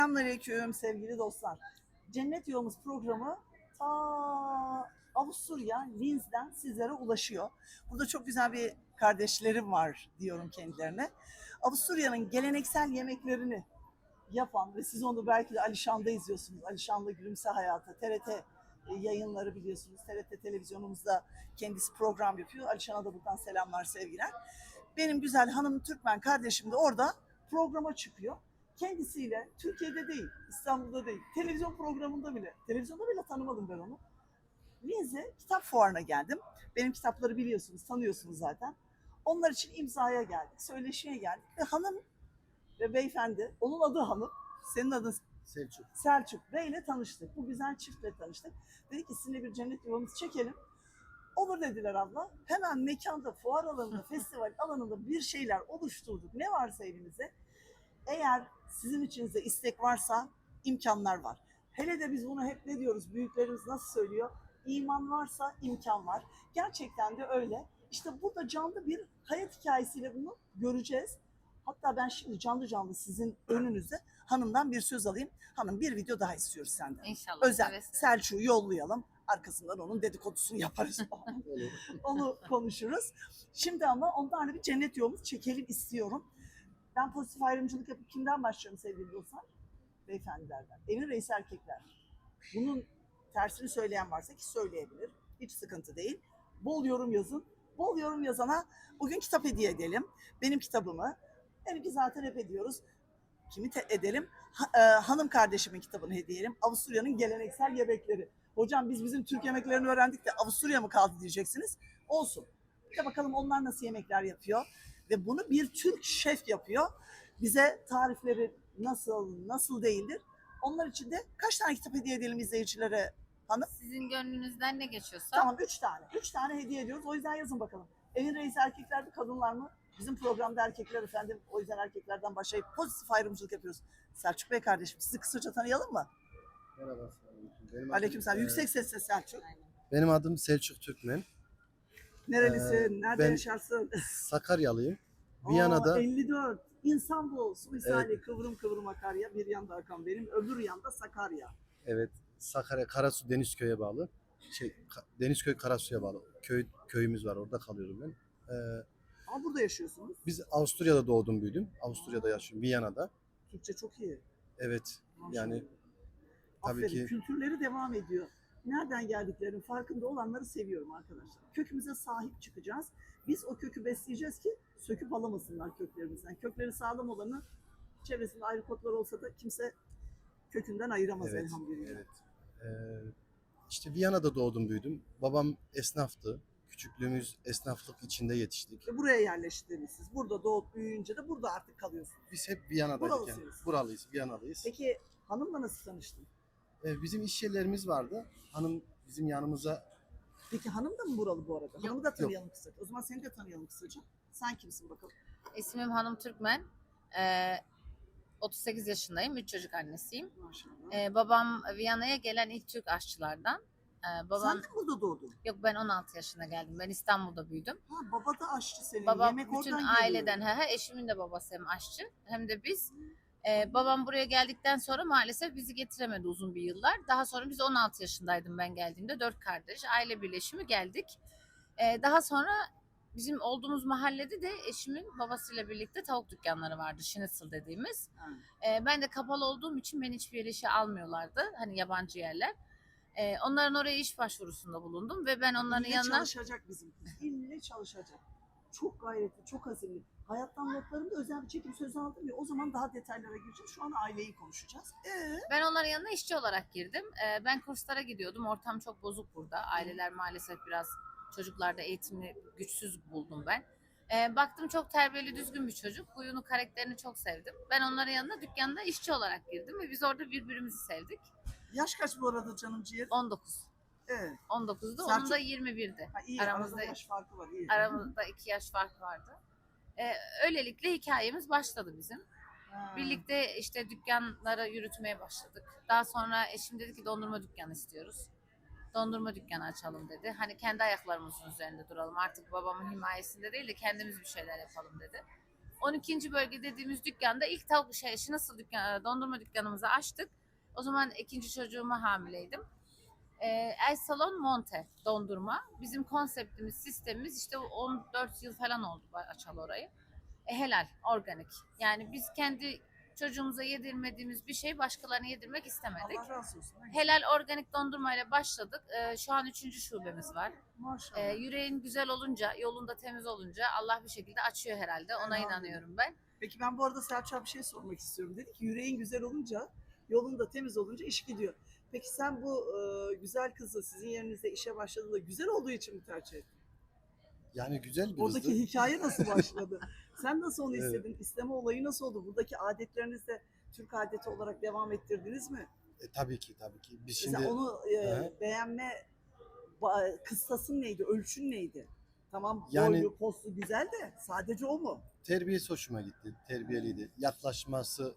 Selamünaleyküm sevgili dostlar. Cennet Yolumuz programı ta Avusturya, Linz'den sizlere ulaşıyor. Burada çok güzel bir kardeşlerim var diyorum kendilerine. Avusturya'nın geleneksel yemeklerini yapan ve siz onu belki de Alişan'da izliyorsunuz. Alişan'la Gülümse Hayatı, TRT yayınları biliyorsunuz. TRT televizyonumuzda kendisi program yapıyor. Alişan'a da buradan selamlar, sevgiler. Benim güzel hanım Türkmen kardeşim de orada programa çıkıyor. Kendisiyle Türkiye'de değil, İstanbul'da değil, televizyonda bile tanımadım ben onu. Linz'e kitap fuarına geldim. Benim kitapları biliyorsunuz, tanıyorsunuz zaten. Onlar için imzaya geldik, söyleşiye geldik ve hanım ve beyefendi, onun adı hanım, senin adın Selçuk. Selçuk Bey'le tanıştık. Bu güzel çiftle tanıştık. Dedik ki sizinle bir cennet yuvamızı çekelim. Olur dediler abla. Hemen mekanda, fuar alanında, festival alanında bir şeyler oluşturduk. Ne varsa elimizde. Eğer sizin içinizde istek varsa imkanlar var. Hele de biz bunu hep ne diyoruz? Büyüklerimiz nasıl söylüyor? İman varsa imkan var. Gerçekten de öyle. İşte burada canlı bir hayat hikayesiyle bunu göreceğiz. Hatta ben şimdi canlı canlı sizin önünüzde hanımdan bir söz alayım. Hanım bir video daha istiyoruz senden. İnşallah. Özel. Seve seve. Selçuk'u yollayalım. Arkasından onun dedikodusunu yaparız. Onu konuşuruz. Şimdi ama onlarla bir cennet yolumuzu çekelim istiyorum. Ben pozitif ayrımcılık yapıp kimden başlıyorum sevgili dostlar? Beyefendilerden. Evin reisi erkekler. Bunun tersini söyleyen varsa ki söyleyebilir. Hiç sıkıntı değil. Bol yorum yazın. Bol yorum yazana bugün kitap hediye edelim. Benim kitabımı. Benimki zaten hep ediyoruz. Kimi edelim? Hanım kardeşimin kitabını hediye edelim. Avusturya'nın geleneksel yemekleri. Hocam biz bizim Türk yemeklerini öğrendik de Avusturya mı kaldı diyeceksiniz. Olsun. Bir de bakalım onlar nasıl yemekler yapıyor. Ve bunu bir Türk şef yapıyor. Bize tarifleri nasıl değildir. Onlar için de kaç tane kitap hediye edelim izleyicilere hanım? Sizin gönlünüzden ne geçiyorsa. Tamam 3 tane. 3 tane hediye ediyoruz. O yüzden yazın bakalım. Evin reisi erkekler mi kadınlar mı? Bizim programda erkekler efendim. O yüzden erkeklerden başlayıp pozitif ayrımcılık yapıyoruz. Selçuk Bey kardeşim sizi kısaca tanıyalım mı? Merhaba. Benim Aleykümselam. adım, Yüksek sesle Selçuk. benim adım Selçuk Türkmen. Nerelisin? Nerede ben- yaşarsın? Sakaryalıyım. Viyana'da 54. İnsan bu. Su misali kıvrım kıvrım akar ya. Bir yanda akan benim. Öbür yanda Sakarya. evet Sakarya Karasu Denizköy'e bağlı. Denizköy Karasu'ya bağlı. Köyümüz var. Orada kalıyorum ben. Ama burada yaşıyorsunuz. Biz Avusturya'da doğdum büyüdüm. Avusturya'da yaşıyorum. Viyana'da. Türkçe çok iyi. Evet. Maşallah. Yani tabii Aferin. ki Kültürleri devam ediyor. Nereden geldiklerinin farkında olanları seviyorum arkadaşlar. Kökümüze sahip çıkacağız. Biz o kökü besleyeceğiz ki söküp alamasınlar köklerimizden. Kökleri sağlam olanı çevresinde ayrı kotlar olsa da kimse kökünden ayıramaz evet. elhamdülillah. Evet. İşte Viyana'da doğdum büyüdüm. Babam esnaftı. Küçüklüğümüz esnaflık içinde yetiştik. Ve buraya yerleştiniz siz. Burada doğup büyüyünce de burada artık kalıyorsunuz. Biz hep Viyana'daydık yani. Buralısınız. Buralıyız, Viyanalıyız. Peki hanımla nasıl tanıştın? Bizim iş yerlerimiz vardı. Hanım bizim yanımıza Peki hanım da mı buralı bu arada? Hanımı da tanıyalım kısaca. O zaman seni de tanıyalım kısaca. Sen kimsin bakalım? İsmim Hanım Türkmen. 38 yaşındayım. 3 çocuk annesiyim. Maşallah. Babam Viyana'ya gelen ilk Türk aşçılardan. Babam Sen de burada doğdun. yok, ben 16 yaşında geldim. Ben İstanbul'da büyüdüm. Ha, baba da aşçı senin. Babam Yemek bütün oradan aileden, geliyor. eşimin de babası hem aşçı hem de biz. Babam buraya geldikten sonra maalesef bizi getiremedi uzun bir yıllar. Daha sonra biz 16 yaşındaydım ben geldiğimde. 4 kardeş, aile birleşimi geldik. Daha sonra bizim olduğumuz mahallede de eşimin babasıyla birlikte tavuk dükkanları vardı. Schnitzel dediğimiz. Ha. Ben de kapalı olduğum için beni hiçbir yere işe almıyorlardı. Hani yabancı yerler. Onların oraya iş başvurusunda bulundum ve ben onların İlle yanına... çalışacak bizim kız. İlle çalışacak. Çok gayretli, çok azimli. Hayattan notlarımda özel bir çekim sözü aldım ya. O zaman daha detaylara gireceğiz. Şu an aileyi konuşacağız. Ben onların yanına işçi olarak girdim. Ben kurslara gidiyordum. Ortam çok bozuk burada. Aileler maalesef biraz çocuklarda eğitimli güçsüz buldum ben. Baktım çok terbiyeli, düzgün bir çocuk. Huyunu, karakterini çok sevdim. Ben onların yanına dükkanda işçi olarak girdim ve biz orada birbirimizi sevdik. Yaş kaç bu arada canım ciğer? 19. Evet. 19'du. Selçuk- Onun da 21'di. Ha, iyi. Aramızda yaş farkı var. İyi. Aramızda 2 yaş fark vardı. Öylelikle hikayemiz başladı bizim. Ha. Birlikte işte dükkanları yürütmeye başladık. Daha sonra eşim dedi ki dondurma dükkanı istiyoruz. Dondurma dükkanı açalım dedi. Hani kendi ayaklarımızın üzerinde duralım. Artık babamın himayesinde değil de kendimiz bir şeyler yapalım dedi. 12. bölge dediğimiz dükkanda ilk tavuk nasıl dondurma dükkanımızı açtık. O zaman ikinci çocuğuma hamileydim. El Salon Monte dondurma. Bizim konseptimiz, sistemimiz işte 14 yıl falan oldu açalı orayı. Helal, organik. Yani biz kendi çocuğumuza yedirmediğimiz bir şey başkalarına yedirmek istemedik. Allah razı olsun. Helal organik dondurmayla başladık. Şu an 3. şubemiz var. Maşallah. Yüreğin güzel olunca, yolunda temiz olunca Allah bir şekilde açıyor herhalde. Ona Elhamdülillah. inanıyorum ben. Peki ben bu arada Selçuk'a bir şey sormak istiyorum. Dedi ki yüreğin güzel olunca, yolun da temiz olunca iş gidiyor. Peki sen bu güzel kızı sizin yerinizde işe başladığında güzel olduğu için mi tercih ettin? Yani güzel bir Oradaki kızdı. hikaye nasıl başladı? Sen nasıl onu Evet. istedin? İsteme olayı nasıl oldu? Buradaki adetlerinizi de Türk adeti olarak devam ettirdiniz mi? Tabii ki tabii ki. Biz Mesela şimdi onu Hı. beğenme kıstasın neydi? Ölçün neydi? Tamam Yani- boylu, poslu güzel de sadece o mu? terbiyesi hoşuma gitti. Terbiyeliydi. Yaklaşması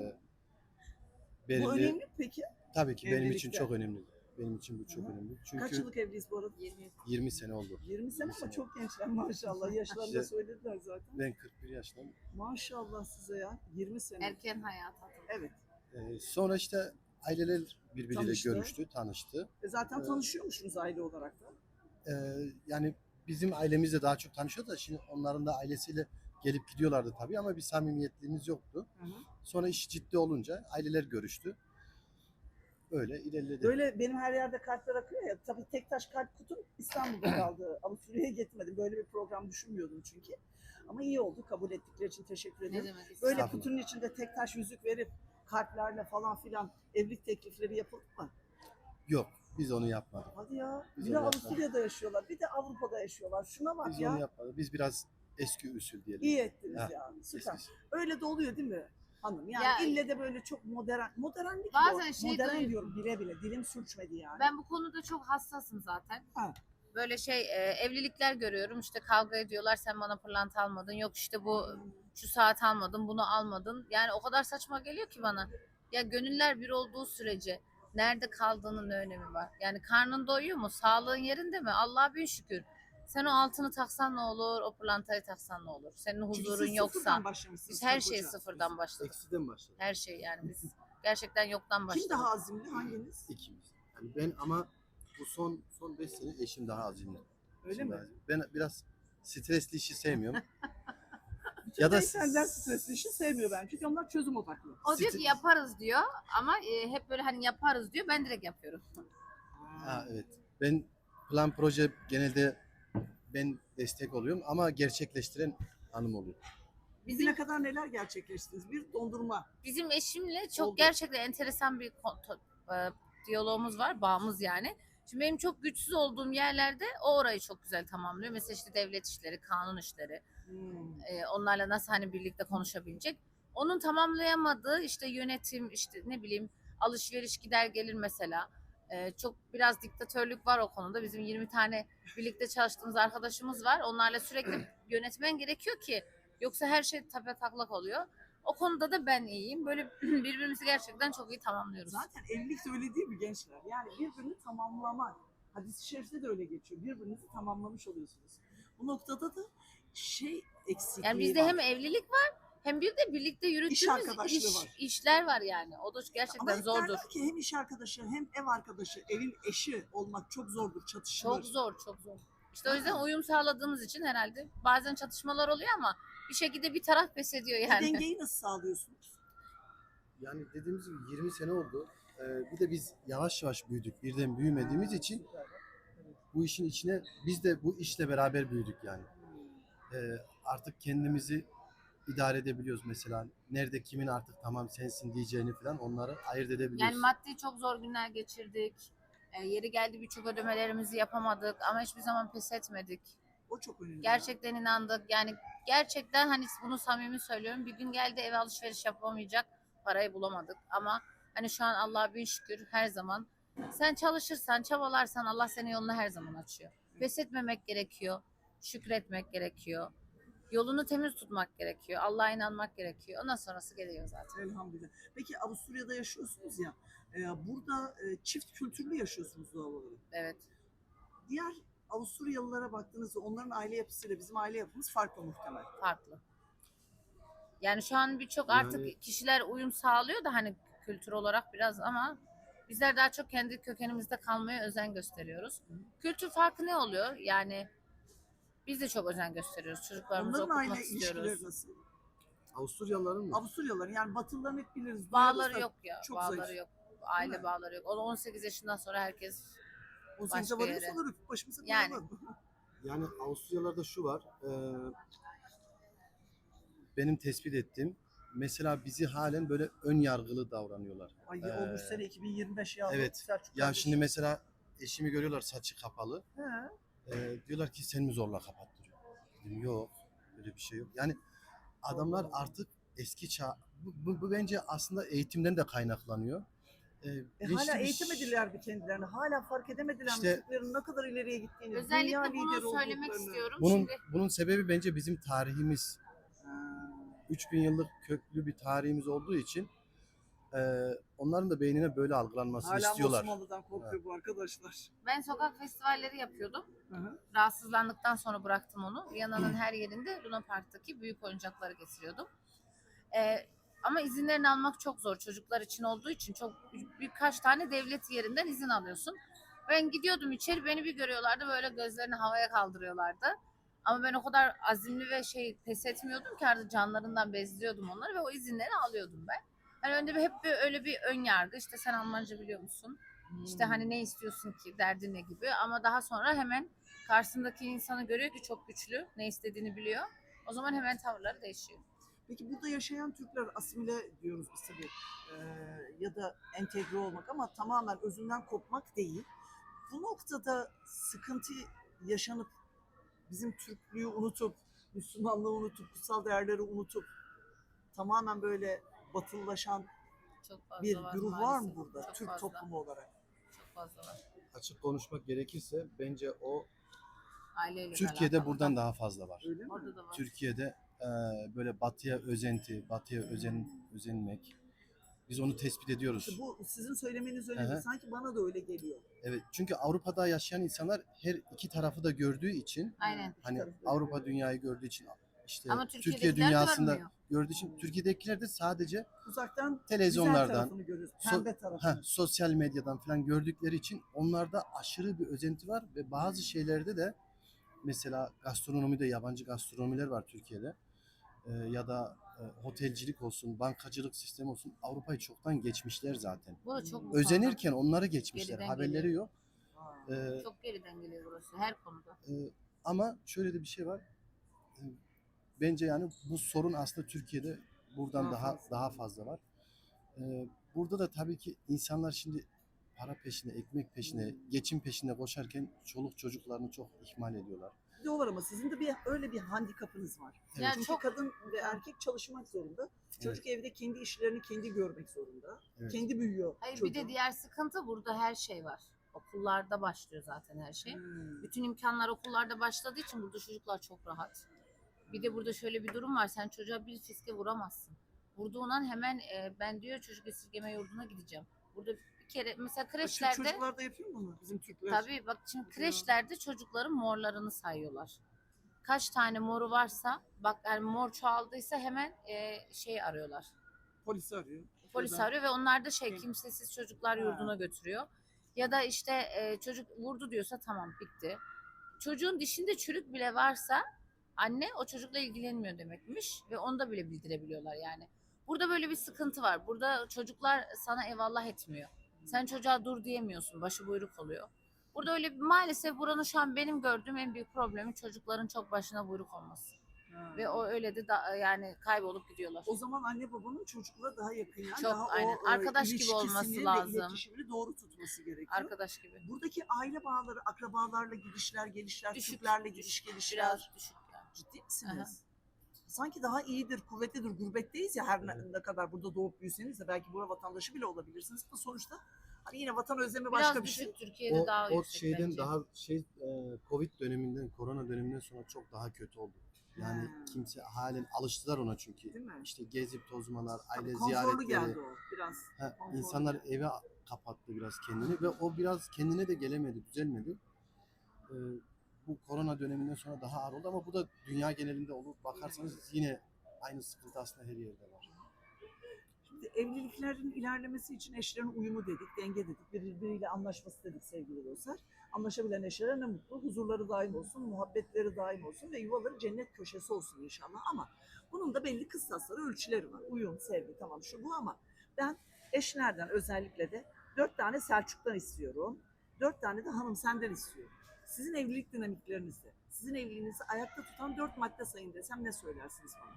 Bu belirli. önemli mi peki? Tabii ki benim için Evlilikte. çok önemli. Benim için bu çok Hı hı. önemli. Kaç Çünkü yıllık evliyiz bu arada? 20 sene oldu. 20 sene 20 ama sene. çok gençler maşallah. Yaşlarını da İşte- söylediler zaten. Ben 41 yaşındayım. Maşallah size ya. 20 sene. Erken hayata atıldı. Evet. Sonra işte aileler birbiriyle Tanıştı. görüştü, tanıştı. Zaten Evet. tanışıyormuşsunuz aile olarak da. Yani bizim ailemizle daha çok tanışıyor da şimdi onların da ailesiyle gelip gidiyorlardı tabii ama bir samimiyetliğimiz yoktu. Hı hı. Sonra iş ciddi olunca aileler görüştü. Öyle ilerledi. Böyle benim her yerde kalpler akıyor ya. Tabii tek taş kalp kutum İstanbul'da kaldı. Avusturya'ya gitmedim. Böyle bir program düşünmüyordum çünkü. Ama iyi oldu. Kabul ettikleri için teşekkür Ne ederim. demek Böyle istiyorsun? kutunun içinde tek taş yüzük verip kalplerle falan filan evlilik teklifleri yapıldı mı? Yok, biz onu yapmadık. Hadi ya. Biz Bir de onu yapmadık. Avusturya'da yaşıyorlar. Bir de Avrupa'da yaşıyorlar. Şuna bak Biz ya. onu yapmadık. Biz biraz eski usul diyelim. İyi ettiniz Ha, ya. Süper. Eski. Öyle de oluyor değil mi hanım? Yani Ya- ille de böyle çok modernlik Bazen yok. şey Modern duyuyorum. diyorum bile bile. Dilim sürçmedi yani. Ben bu konuda çok hassasım zaten. Ha. Böyle evlilikler görüyorum işte kavga ediyorlar sen bana pırlanta almadın yok işte bu şu saat almadın bunu almadın. Yani o kadar saçma geliyor ki bana. Ya gönüller bir olduğu sürece nerede kaldığının ne önemi var? Yani karnın doyuyor mu? Sağlığın yerinde mi? Allah'a bin şükür. Sen o altını taksan ne olur? O pırlantayı taksan ne olur? Senin Çünkü huzurun siz yoksa. sıfırdan başlamışsınız Biz her karı şeyi koca. sıfırdan başladık. Eksiden başladık. Her şey yani biz gerçekten yoktan başladık. Kim daha azimli? Hanginiz? İkimiz. Yani ben ama bu son 5 sene eşim daha azimli. Öyle Eşim mi? daha azimli. Ben biraz stresli işi sevmiyorum. Ya da senden stresli işi sevmiyor ben. Çünkü onlar çözüm odaklı. O diyor ki yaparız diyor ama hep böyle hani yaparız diyor ben direkt yapıyorum. Ha, evet. Ben plan proje genelde ben destek oluyorum ama gerçekleştiren hanım oluyor. Bugüne kadar neler gerçekleştiniz? Bir dondurma. Bizim eşimle çok Oldu. gerçekten enteresan bir diyalogumuz var, bağımız yani. Şimdi benim çok güçsüz olduğum yerlerde o orayı çok güzel tamamlıyor. Mesela işte devlet işleri, kanun işleri. Onlarla nasıl hani birlikte konuşabilecek. Onun tamamlayamadığı işte yönetim, işte ne bileyim alışveriş gider gelir mesela. Çok biraz diktatörlük var o konuda. Bizim 20 tane birlikte çalıştığımız arkadaşımız var. Onlarla sürekli yönetmen gerekiyor ki yoksa her şey tepetaklak oluyor. O konuda da ben iyiyim. Böyle birbirimizi gerçekten çok iyi tamamlıyoruz. Zaten evlilik de öyle değil mi gençler? Yani birbirini tamamlamak. Hadis-i şerifte de öyle geçiyor. Birbirinizi tamamlamış oluyorsunuz. Bu noktada da eksikliği Yani bizde var. hem evlilik var hem bir de birlikte yürüttüğümüz arkadaşlığı var. işler var yani. O da gerçekten Ama hep zordur. derler ki hem iş arkadaşı hem ev arkadaşı, evin eşi olmak çok zordur, çatışılır. Çok zor, çok zor. İşte o yüzden uyum sağladığımız için herhalde bazen çatışmalar oluyor ama bir şekilde bir taraf pes ediyor Bu yani. dengeyi nasıl sağlıyorsunuz? Yani dediğimiz gibi 20 sene oldu. Bir de biz yavaş yavaş büyüdük. Birden büyümediğimiz için bu işin içine biz de bu işle beraber büyüdük yani. Artık kendimizi idare edebiliyoruz mesela. Nerede kimin artık tamam sensin diyeceğini falan onları ayırt edebiliyoruz. Yani maddi çok zor günler geçirdik. Yeri geldi birçok ödemelerimizi yapamadık ama hiçbir zaman pes etmedik. O çok önemli. Gerçekten inandık. Yani gerçekten hani bunu samimi söylüyorum. Bir gün geldi eve alışveriş yapamayacak parayı bulamadık. Ama hani şu an Allah'a bin şükür her zaman sen çalışırsan, çabalarsan Allah senin yolunu her zaman açıyor. Pes etmemek gerekiyor. Şükretmek gerekiyor. Yolunu temiz tutmak gerekiyor. Allah'a inanmak gerekiyor. Ondan sonrası geliyor zaten. Elhamdülillah. Peki Avusturya'da yaşıyorsunuz ya. Burada çift kültürlü yaşıyorsunuz doğal olarak. Evet. Diğer Avusturyalılara baktığınızda onların aile yapısıyla bizim aile yapımız farklı muhtemel. Farklı. Yani şu an birçok artık Yani- kişiler uyum sağlıyor da hani kültür olarak biraz, ama bizler daha çok kendi kökenimizde kalmaya özen gösteriyoruz. Kültür farkı ne oluyor? Yani biz de çok özen gösteriyoruz. Çocuklarımızı Onların okutmak aile istiyoruz. ilişkileri nasıl? Avusturyalıların mı? Avusturyalıların yani Batılıların hep biliriz. duyarız Bağları da yok ya. çok Bağları zayıf. yok. Aile Değil mi? bağları yok. O 18 yaşından sonra herkes 18'e başka varıyorsa yere. olur öpüp başımıza Yani. koyalım. Yani Avusturyalarda şu var. Benim tespit ettiğim, mesela bizi halen böyle ön yargılı davranıyorlar. Ay Ee, olmuş sene 2025 ya. evet. Selçuk Ya kardeşim. şimdi mesela eşimi görüyorlar saçı kapalı. He. Diyorlar ki sen mi zorla kapattırıyorsun? Dedim yok. Öyle bir şey yok. Yani adamlar artık eski çağ... Bu bence aslında eğitimden de kaynaklanıyor. Bilinçli Hala bir eğitemediler bir kendilerini. Hala fark edemediler İşte- Türklerin ne kadar ileriye gittiğini. dünya özellikle lideri bunu söylemek olduklarını. istiyorum. Bunun Şimdi bunun sebebi bence bizim tarihimiz. Ha. 3000 yıllık köklü bir tarihimiz olduğu için onların da beynine böyle algılanmasını Hala istiyorlar. Osmanlı'dan korkuyor bu arkadaşlar. ben sokak festivalleri yapıyordum. Hı hı. Rahatsızlandıktan sonra bıraktım onu. Viyana'nın her yerinde Luna Park'taki büyük oyuncakları getiriyordum. Ama izinlerini almak çok zor. Çocuklar için olduğu için çok birkaç tane devlet yerinden izin alıyorsun. Ben gidiyordum içeri, beni bir görüyorlardı böyle gözlerini havaya kaldırıyorlardı. Ama ben o kadar azimli ve pes etmiyordum ki, artık canlarından bezliyordum onları ve o izinleri alıyordum ben. Hani önde hep öyle bir ön yargı, işte sen Almanca biliyor musun? İşte hani ne istiyorsun ki, derdin ne gibi, ama daha sonra hemen karşısındaki insanı görüyor ki çok güçlü, ne istediğini biliyor. O zaman hemen tavırları değişiyor. Peki burada yaşayan Türkler asimile diyoruz biz tabii. Ya da entegre olmak ama tamamen özünden kopmak değil. Bu noktada sıkıntı yaşanıp bizim Türklüğü unutup, Müslümanlığı unutup, kutsal değerleri unutup tamamen böyle batılılaşan Çok fazla bir var güruh var mı maalesef. burada Çok Türk fazla. toplumu olarak? Çok fazla var. Açık konuşmak gerekirse bence o Aileyle Türkiye'de alakalı buradan da. daha fazla var. Öyle mi? Orada da var. Türkiye'de böyle batıya özenti, batıya özenmek. Biz onu tespit ediyoruz. İşte bu sizin söylemeniz öyle Hı değil. hı. Sanki bana da öyle geliyor. Evet, çünkü Avrupa'da yaşayan insanlar her iki tarafı da gördüğü için, Aynen. hani tarafı da Avrupa görüyor. dünyayı gördüğü için, işte Ama Türkiye Türkiye'dekiler dünyasında görmüyor. gördüğü için, Türkiye'dekiler de sadece Uzaktan güzel televizyonlardan, tarafını görüyoruz. Pembe tarafını. sosyal medyadan falan gördükleri için onlarda aşırı bir özenti var ve bazı şeylerde de mesela gastronomide yabancı gastronomiler var Türkiye'de. Ya da otelcilik olsun, bankacılık sistemi olsun, Avrupa'yı çoktan geçmişler zaten. Bu da çok bu Özenirken onları geçmişler, Geriden haberleri geliyor. yok. Ha. konuda çok geriden geliyor burası her konuda. Ama şöyle de bir şey var. Bence yani bu sorun aslında Türkiye'de buradan daha fazla var. Burada da tabii ki insanlar şimdi para peşinde, ekmek peşinde, geçim peşinde koşarken çoluk çocuklarını çok ihmal ediyorlar. Diyorlar ama sizin de öyle bir handikapınız var. Yani Çünkü çok kadın ve erkek çalışmak zorunda. Çocuk evde kendi işlerini kendi görmek zorunda. Evet. Kendi büyüyor. hayır, çocuğun. bir de diğer sıkıntı, burada her şey var. Okullarda başlıyor zaten her şey. Hmm. Bütün imkanlar okullarda başladığı için burada çocuklar çok rahat. Bir de burada şöyle bir durum var. Sen çocuğa bir fiske vuramazsın. Vurduğun an hemen ben diyor çocuk esirgeme yurduna gideceğim. Burada bir kere mesela kreşlerde, Çocuklar da yapıyor mu bunu? Bizim Türkler. tabii bak şimdi kreşlerde çocukların morlarını sayıyorlar. Kaç tane moru varsa, bak yani mor çoğaldıysa hemen arıyorlar. Polisi arıyor. Polis Ya da- arıyor ve onlar da Kim? kimsesiz çocuklar Ha. yurduna götürüyor. Ya da işte çocuk vurdu diyorsa tamam, bitti. Çocuğun dişinde çürük bile varsa anne o çocukla ilgilenmiyor demekmiş ve onu da bile bildirebiliyorlar yani. Burada böyle bir sıkıntı var. Burada çocuklar sana eyvallah etmiyor. Sen çocuğa dur diyemiyorsun. Başı buyruk oluyor. Burada öyle maalesef buranın şu an benim gördüğüm en büyük problemi çocukların çok başına buyruk olması. Ha. Ve o öyle de yani kaybolup gidiyorlar. O zaman anne babanın çocukla daha yakın yani. Çok, daha aynen. o Arkadaş gibi ilişkisini olması ve lazım. iletişimini doğru tutması gerekiyor. Arkadaş gibi. Buradaki aile bağları, akrabalarla gidişler, gelişler, Düşük, Türklerle gidiş gelişler. Biraz düşük yani. Ciddi misiniz? Sanki daha iyidir, kuvvetlidir. Gurbetteyiz ya her ne kadar burada doğup büyüseniz de belki burada vatandaşı bile olabilirsiniz. Ama sonuçta hani yine vatan özlemi başka Biraz bir şey. düşük, Türkiye'de daha O yüksek şeyden bence. daha Covid döneminden, korona döneminden sonra çok daha kötü oldu. Yani Ha. kimse halen alıştılar ona çünkü. Değil mi? İşte gezip tozmalar, Tabii aile konforlu geldi ziyaretleri. o biraz. konforlu İnsanlar geldi. eve kapattı biraz kendini ve o biraz kendine de gelemedi, düzelmedi. Bu korona döneminden sonra daha ağır oldu ama bu da dünya genelinde olur. Bakarsanız yine Aynı sıkıntı aslında her yerde var. Şimdi evliliklerin ilerlemesi için eşlerin uyumu dedik, denge dedik, birbiriyle anlaşması dedik sevgili dostlar. Anlaşabilen eşlere ne mutlu, huzurları daim olsun, muhabbetleri daim olsun ve yuvaları cennet köşesi olsun inşallah. Ama bunun da belli kıstasları, ölçüleri var. Uyum, sevgi tamam şu bu ama ben eşlerden özellikle de 4 tane Selçuk'tan istiyorum. 4 tane de hanım senden istiyorum. Sizin evlilik dinamiklerinizde, sizin evliliğinizi ayakta tutan 4 madde sayın desem ne söylersiniz bana?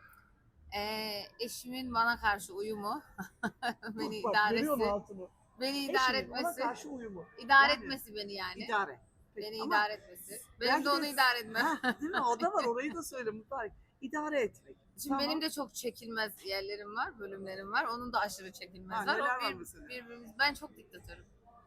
Eşimin bana karşı uyumu, beni Bak, görüyor musun idaresi, altını? beni idare Eşinin ona etmesi, karşı uyumu. idare Yani, etmesi beni yani. İdare. Peki, Beni ama idare etmesi. Benim de onu belki- idare etmem. Ha, değil mi? O da var. Orayı da söyle Muhtar. İdare etmek. Şimdi benim de çok çekilmez yerlerim var, bölümlerim var. Onun da aşırı çekilmez Ha, var. neler O var mesela? ben çok diktatörüm.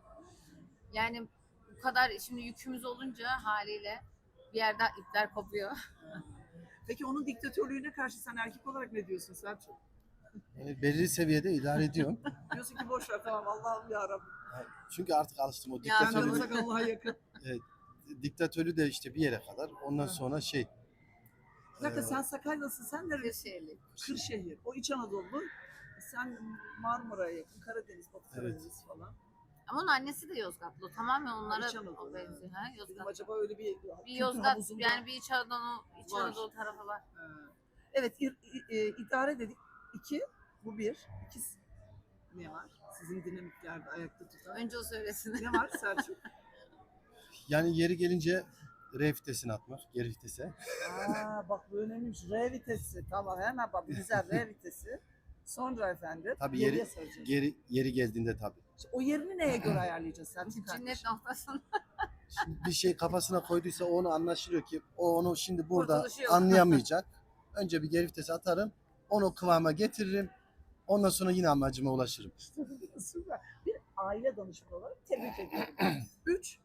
Yani bu kadar şimdi yükümüz olunca haliyle bir yerde ipler kopuyor. Peki onun diktatörlüğüne karşı sen erkek olarak ne diyorsun Selçuk? Yani belirli seviyede idare ediyorum. Diyorsun ki boş ver tamam Allah'ım yarabbim. Çünkü artık alıştım o Ya, Sen tabii. diktatörlüğü. tanısak Allah'a yakın. Diktatörlüğü de işte bir yere kadar. Ondan Ha. sonra Bir dakika e, sen Sakarya'lısın. Sen nerelisin? Kırşehirli. Kırşehir. O İç Anadolu. Sen Marmara'ya yakın. Karadeniz, Batı Evet. Karadeniz falan. Ama onun annesi de Yozgatlı. Tamamen onlara İç Anadolu, o benziyor. Ha, Dedim Yozgat. acaba öyle bir Bir Yozgat havuzunda- yani bir İç Anadolu, İç Var. Anadolu tarafı var. Ha. Evet idare dedik. 2. Bu 1. 2. Ne var? Sizin dinamiklerde ayakta tutan. Önce o söylesin. Ne var Selçuk? yani yeri gelince R vitesini atmak, geri vitese. Aa, bak bu önemliymiş. R vitesi. Tamam hemen bak güzel R vitesi. Sonra efendim. Tabii geriye saracağız. Yeri geldiğinde tabii. O yerini neye göre ayarlayacağız Selçuk Cennet kardeşim? noktasında. Şimdi bir şey kafasına koyduysa onu anlaşılıyor ki o onu şimdi burada Kurtuluşu yok. anlayamayacak. Önce bir geri vitese atarım. Onu kıvama getiririm. Ondan sonra yine amacıma ulaşırım. Süper. Bir aile danışmanı olarak tebrik ediyorum. 3.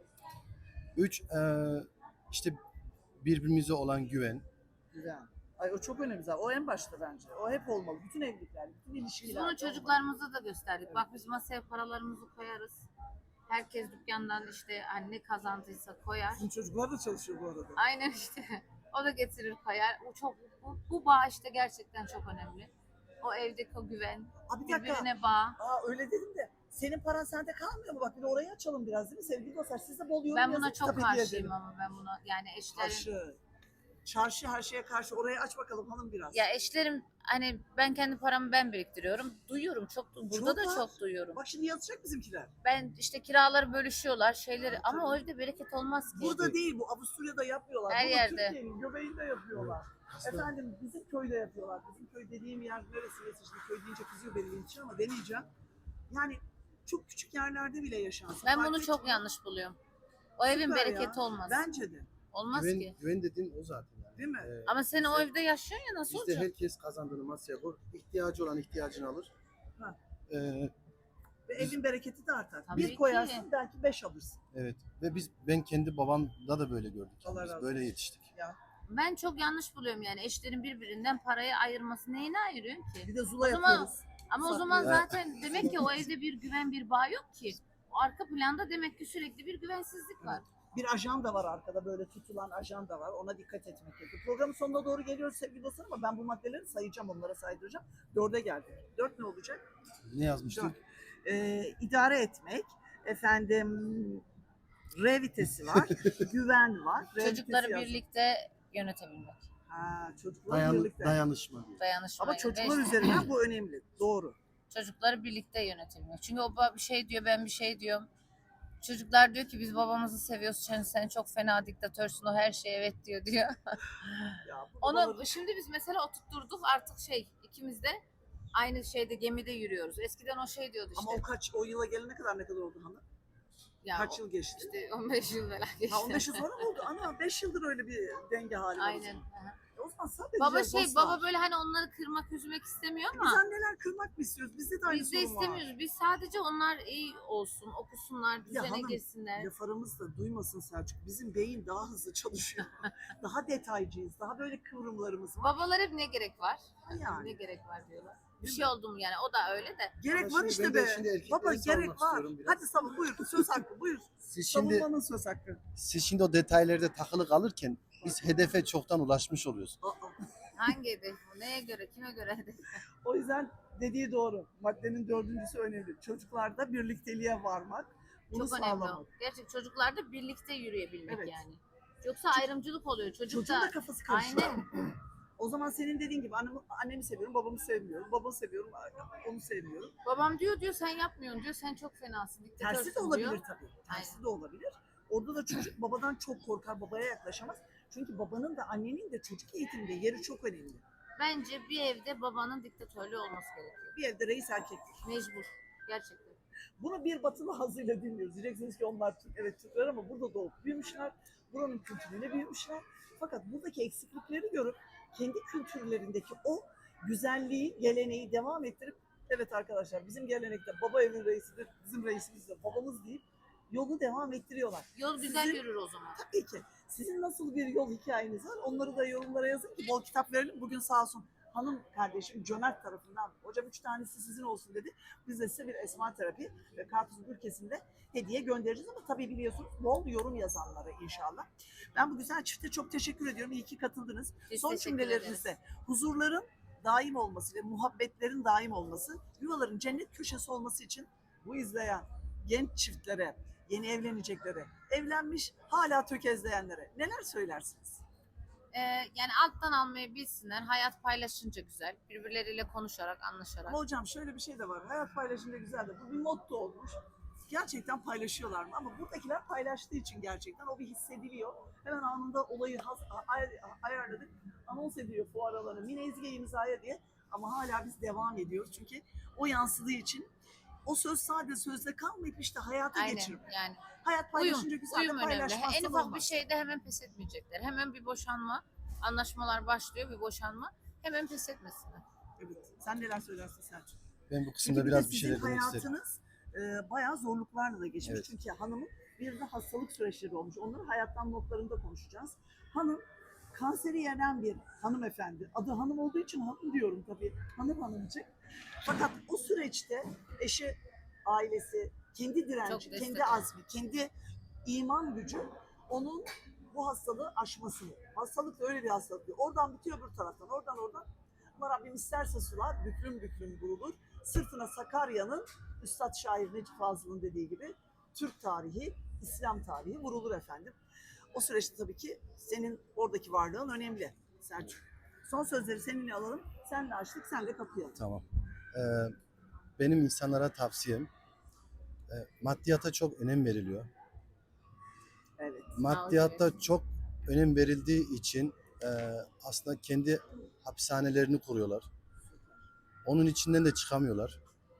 3 işte birbirimize olan güven. Güzel. Ay o çok önemli zaten. O en başta bence. O hep olmalı. Bütün evlilikler, bütün Biz ilişkiler. bunu çocuklarımıza da gösterdik. Bak biz masaya paralarımızı koyarız. Herkes dükkandan işte hani ne kazandıysa koyar. Bizim çocuklar da çalışıyor bu arada. Aynen işte. O da getirir koyar. O çok bu bağ işte gerçekten çok önemli. O evdeki o güven, Abi bir dakika. birbirine bağ. Aa öyle dedim de. Senin paran sende kalmıyor mu? Bak bir de orayı açalım biraz değil mi sevgili dostlar? Siz de bol yorum Ben yazın, buna çok kitap hediye karşıyım edelim. ama ben buna yani eşlerin Karşı. Çarşı her şeye karşı. Orayı aç bakalım hanım biraz. ya eşlerim hani ben kendi paramı ben biriktiriyorum. Duyuyorum çok burada Çok da var. çok duyuyorum. Bak şimdi yazacak bizimkiler. Ben işte kiraları bölüşüyorlar şeyleri Ha, ama o tabii. evde bereket olmaz ki. Burada değil bu. Avusturya'da yapıyorlar. Her Burada yerde. Türkiye'nin göbeğinde yapıyorlar. Efendim bizim köyde yapıyorlar. Bizim köy dediğim yer neresi? Şimdi köy deyince kızıyor benim için ama demeyeceğim. Yani çok küçük yerlerde bile yaşansın. Ben Fark bunu çok etmiyor. yanlış buluyorum. O evin Süper bereketi ya. olmaz. Bence de. Olmaz Güven, ki. güven dediğin o zaten yani. Değil mi? Ama sen o evde yaşıyorsun ya nasıl Bizde olacak? herkes kazandığını masaya koyar. İhtiyacı olan ihtiyacını alır. Ha. Ee, Ve evin bereketi de artar. Tabii Bir ki. koyarsın belki 5 alırsın. evet. Ve ben kendi babamda da böyle gördük. Yani. Allah Biz razı böyle olsun. yetiştik. Ya. Ben çok yanlış buluyorum yani eşlerin birbirinden parayı ayırması neyine ayırıyorsun ki? Bir de zula O zaman- yapıyoruz. Ama o Saklıyor. zaman Evet. zaten demek ki o evde bir güven bir bağ yok ki. O arka planda demek ki sürekli bir güvensizlik var. Bir ajan da var arkada böyle tutulan ajan da var. Ona dikkat etmek gerekiyor. Programın sonuna doğru geliyoruz sevgili dostlar ama ben bu maddeleri sayacağım, onlara saydıracağım. 4'e geldik. 4 ne olacak? Ne yazmıştık? İdare etmek, efendim R vitesi var, güven var. R Çocukları vitesi yazdım. birlikte yönetebilmek. Ha, çocuklar birlikte. Dayanışma diyor. Dayanışma. Ama çocuklar üzerinden bu önemli. Doğru. Çocukları birlikte yönetilmek. Çünkü o bir şey diyor ben bir şey diyorum. Çocuklar diyor ki biz babamızı seviyoruz. Sen çok fena diktatörsün. O her şeye evet diyor. Ya, bu Onu babaların- şimdi biz mesela oturtturduk artık ikimiz de aynı şeyde gemide yürüyoruz. Eskiden o şey diyordu işte. Ama o yıla gelene kadar ne kadar oldu hanım? Ya Kaç yıl geçti? İşte 15 yıl falan geçti. Ha 15 yıl sonra mı oldu? Ana 5 yıldır öyle bir denge hali var. Aynen. Aha. O zaman sabredeceğiz Baba dostlar. baba böyle hani onları kırmak üzmek istemiyor Biz ama anneler kırmak mı istiyoruz? Bizde de aynı biz de sorun var. istemiyoruz. Biz sadece onlar iyi olsun, okusunlar, düzene hanım, girsinler. Laf aramızda duymasın Selçuk. Bizim beyin daha hızlı çalışıyor. daha detaycıyız. Daha böyle kıvrımlarımız var. Babalar hep ne gerek var? Yani. Ne gerek var diyorlar. Bir Değil şey mi? oldu mu yani o da öyle de. Gerek Ama var şimdi işte ben be. de şimdi erkekleri Baba savunmak gerek var. istiyorum biraz. Hadi savun buyur. Söz hakkı buyur. Siz şimdi Savunmanın söz hakkı. o detaylarda takılı kalırken biz hedefe çoktan ulaşmış oluyoruz. Aa, Hangi hedef bu? Neye göre? Kime göre hedef? O yüzden dediği doğru. Maddenin dördüncüsü önemli. Çocuklarda birlikteliğe varmak, bunu Çok önemli o. sağlamak. Gerçek çocuklarda birlikte yürüyebilmek Evet. yani. Yoksa ayrımcılık oluyor. Çocuğun Çocuk da da kafası karışıyor. aynen. O zaman senin dediğin gibi annemi seviyorum, babamı sevmiyorum. Babamı seviyorum, onu sevmiyorum. Babam diyor sen yapmıyorsun diyor. Sen çok fenasın. Tersi de diktatörsün olabilir diyor. tabii. Tersi Aynen. de olabilir. Orada da çocuk babadan çok korkar, babaya yaklaşamaz. Çünkü babanın da annenin de çocuk eğitiminde yeri çok önemli. Bence bir evde babanın diktatörlüğü olması gerekiyor. Bir evde reis erkektir. Mecbur. Gerçekten. Bunu bir batılı hazıyla dinliyoruz. Diyeceksiniz ki onlar Türk, evet Türkler ama burada doğup büyümüşler. Buranın kültürüyle büyümüşler. Fakat buradaki eksiklikleri görüp kendi kültürlerindeki o güzelliği, geleneği devam ettirip evet arkadaşlar bizim gelenekte baba evin reisidir, bizim reisimiz de babamız deyip yolu devam ettiriyorlar. Yol güzel Sizin- yürür o zaman. Tabii ki. Sizin nasıl bir yol hikayeniz var? Onları da yorumlara yazın ki bol kitap verelim. Bugün sağ olsun hanım kardeşim Cömert tarafından hocam 3 tanesi sizin olsun dedi. Biz de size bir esma terapi ve karpuz ülkesinde hediye göndereceğiz ama tabii biliyorsunuz bol yorum yazanlara inşallah. Ben bu güzel çifte çok teşekkür ediyorum. İyi ki katıldınız. Biz Son teşekkür cümlelerinizde ederiz. huzurların daim olması ve muhabbetlerin daim olması, yuvaların cennet köşesi olması için bu izleyen genç çiftlere, yeni evleneceklere, evlenmiş hala tökezleyenlere neler söylersiniz? Yani alttan almayı bilsinler. Hayat paylaşınca güzel. Birbirleriyle konuşarak, anlaşarak. Ama hocam şöyle bir şey de var. Hayat paylaşınca güzel de bu bir motto olmuş. Gerçekten paylaşıyorlar mı? Ama buradakiler paylaştığı için gerçekten o bir hissediliyor. Hemen anında olayı ayarladık. Anons ediyor fuar alanı. Mine Ezgi imzaya diye. Ama hala biz devam ediyoruz. Çünkü o yansıdığı için o söz sadece sözde kalmayıp işte hayata Aynen geçirip. yani. Hayat paylaşınca Uyum, güzel de uyum önemli. paylaşmazsan En ufak bir olmaz. şeyde hemen pes etmeyecekler. Hemen bir boşanma, anlaşmalar başlıyor, bir boşanma. Hemen pes etmesinler. Evet. Sen neler söylersin Selçuk? Ben bu Çünkü kısımda bir de biraz bir sizin şeyler demek isterim. hayatınız bayağı zorluklarla da geçmiş. Evet. Çünkü hanımın bir de hastalık süreçleri olmuş. Onları hayattan notlarında konuşacağız. Hanım kanseri yenen bir hanımefendi. Adı hanım olduğu için hanım diyorum tabii. Hanımcık. Fakat o süreçte eşi, ailesi, kendi direnci, Çok destek kendi azmi, kendi iman gücü onun bu hastalığı aşmasını. Hastalık da öyle bir hastalık. Oradan bitiyor öbür taraftan, oradan. Ama Rabbim isterse sular büklüm büklüm vurulur. Sırtına Sakarya'nın Üstad Şair Necip Fazıl'ın dediği gibi Türk tarihi, İslam tarihi vurulur efendim. O süreçte tabii ki senin oradaki varlığın önemli Selçuk. Son sözleri seninle alalım. Sen de açtık, sen de kapayalım. Tamam. Benim insanlara tavsiyem maddiyata çok önem veriliyor. Evet. Maddiyatta çok önem verildiği için aslında kendi hapishanelerini kuruyorlar. Onun içinden de çıkamıyorlar.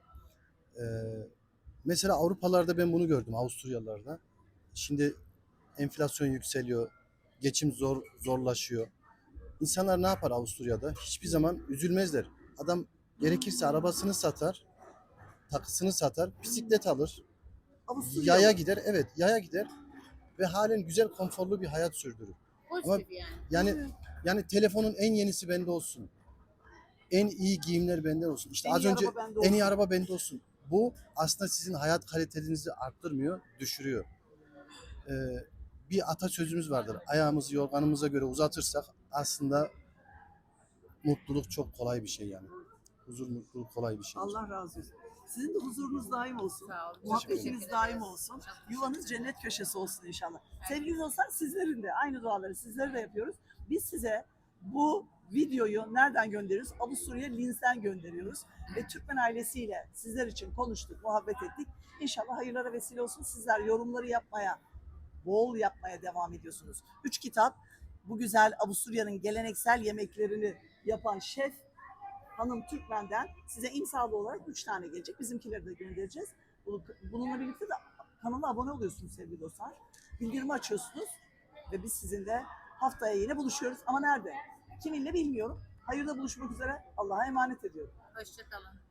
Mesela Avrupalarda ben bunu gördüm, Avusturyalılarda. Şimdi enflasyon yükseliyor, geçim zorlaşıyor. İnsanlar ne yapar Avusturya'da? Hiçbir zaman üzülmezler. Adam gerekirse arabasını satar, takısını satar, bisiklet alır, Avusturya yaya gider. Evet, yaya gider ve halen güzel, konforlu bir hayat sürdürür. Pozitif yani. Yani telefonun en yenisi bende olsun. En iyi giyimler benden olsun. İşte En az iyi önce araba bende en iyi olsun. araba bende olsun. Bu aslında sizin hayat kalitenizi arttırmıyor, düşürüyor. Bir atasözümüz vardır. Ayağımızı yorganımıza göre uzatırsak aslında mutluluk çok kolay bir şey yani. Huzur, mutluluk kolay bir şey. Allah razı olsun. Sizin de huzurunuz daim olsun. Sağ olun. Muhabbetiniz Teşekkür daim ederiz. olsun. Çok Yuvanız cennet köşesi olsun inşallah. Evet. Sevgili dostlar sizlerin de aynı duaları sizlere de yapıyoruz. Biz size bu videoyu nereden gönderiyoruz? Avusturya Linz'den gönderiyoruz. Ve Türkmen ailesiyle sizler için konuştuk, muhabbet ettik. İnşallah hayırlara vesile olsun. Sizler yorumları yapmaya, bol yapmaya devam ediyorsunuz. 3 kitap bu güzel Avusturya'nın geleneksel yemeklerini yapan şef Hanım Türkmen'den size imzalı olarak 3 tane gelecek. Bizimkileri de göndereceğiz. Bununla birlikte de kanala abone oluyorsunuz sevgili dostlar. Bildirimi açıyorsunuz ve biz sizinle haftaya yine buluşuyoruz. Ama nerede? Kiminle bilmiyorum. Hayırda buluşmak üzere. Allah'a emanet ediyorum. Hoşçakalın.